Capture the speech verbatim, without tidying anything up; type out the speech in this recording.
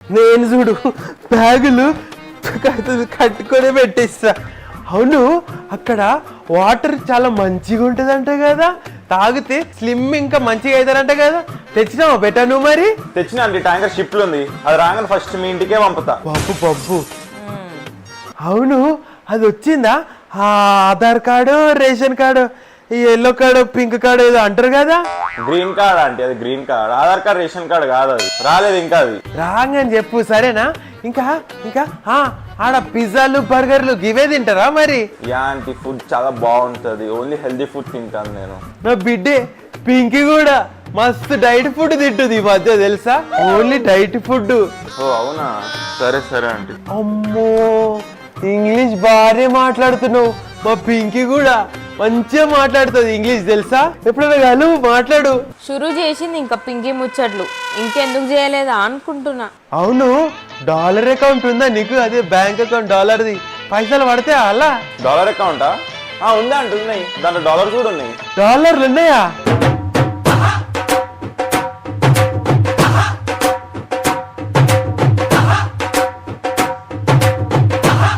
నేను చూడు బ్యాగులు కట్టుకొని పెట్టిస్తా. అవును, అక్కడ వాటర్ చాలా మంచిగా ఉంటుందంట కదా, తాగితే స్లిమ్ ఇంకా మంచిగా అవుతారంట కదా. తెచ్చినావా బెటా నువ్వు? మరి తెచ్చినా అండి, ట్యాంకర్ షిప్ లో ఉంది. అది రాగానే ఫస్ట్ మీ ఇంటికే పంపుతా. పప్పు పప్పు అవును, అది వచ్చిందా? ఆ ఆధార్ కార్డు, రేషన్ కార్డు, ఈ ఎల్లో కార్డు, పింక్ కార్డు ఏదో అంటారు కదా. గ్రీన్ కార్డ్ అంటే అది green card, Aadhaar card ration card కాదు. అది రాలేదు ఇంకా. అది రాగానే చెప్పు సరేనా? ఇంకా ఇంకా ఆడ పిజ్జాలు బర్గర్లు ఇవే తింటారా మరి? ఇలాంటి ఫుడ్ చాలా బాగుంటది, ఓన్లీ హెల్దీ ఫుడ్ తింటాను నేను. నా బిడ్డే పింకీ కూడా మస్తు డైట్ ఫుడ్ తింటుంది ఈ మధ్య, తెలుసా? Only diet food. ఓ అవునా, సరే సరే అండి. అమ్మో, ఇంగ్లీష్ బాగానే మాట్లాడుతున్నావు. మా పింకీ కూడా మంచిగా మాట్లాడుతుంది ఇంగ్లీష్, తెలుసా? ఎప్పుడైనా కాదు మాట్లాడు. షురూ చేసింది ఇంకా పింకీ ముచ్చట్లు, ఇంకెందుకు చేయలేదా అనుకుంటున్నా. అవును, డాలర్ అకౌంట్ ఉందా నీకు? అదే బ్యాంక్ అకౌంట్ డాలర్ది, పైసలు పడితే అలా. డాలర్ అకౌంటా? ఉందా అంటే ఉన్నాయి, దాంట్లో డాలర్స్ కూడా ఉన్నాయి. డాలర్లు ఉన్నాయా?